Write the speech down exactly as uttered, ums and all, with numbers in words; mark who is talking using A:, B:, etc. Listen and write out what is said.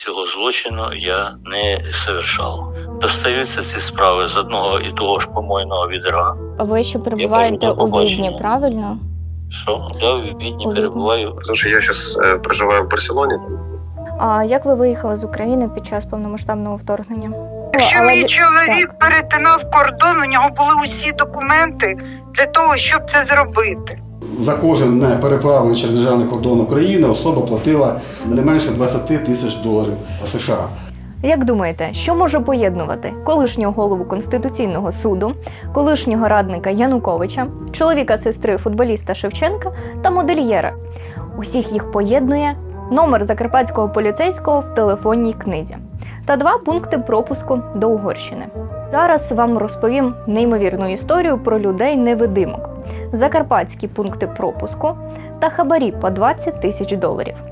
A: Цього злочину я не совершав. Достаються ці справи з одного і того ж помойного відра.
B: А ви ще перебуваєте
A: кажу, до
B: у Відні,
A: побачення.
B: правильно?
A: Що? Я в Відні
B: У Відні.
A: перебуваю.
C: Потому что я сейчас э, проживаю в Барселоне.
B: А як ви виїхали з України під час повномасштабного вторгнення?
D: Якщо
B: Але
D: мій
B: ви-
D: чоловік перетинав кордон, у нього були усі документи для того, щоб це зробити.
E: За кожен не переправлений через державний кордон України особа платила не менше двадцять тисяч доларів США.
F: Як думаєте, що може поєднувати колишнього голову Конституційного суду, колишнього радника Януковича, чоловіка сестри футболіста Шевченка та модельєра? Усіх їх поєднує номер закарпатського поліцейського в телефонній книзі та два пункти пропуску до Угорщини. Зараз вам розповім неймовірну історію про людей-невидимок, закарпатські пункти пропуску та хабарі по двадцять тисяч доларів.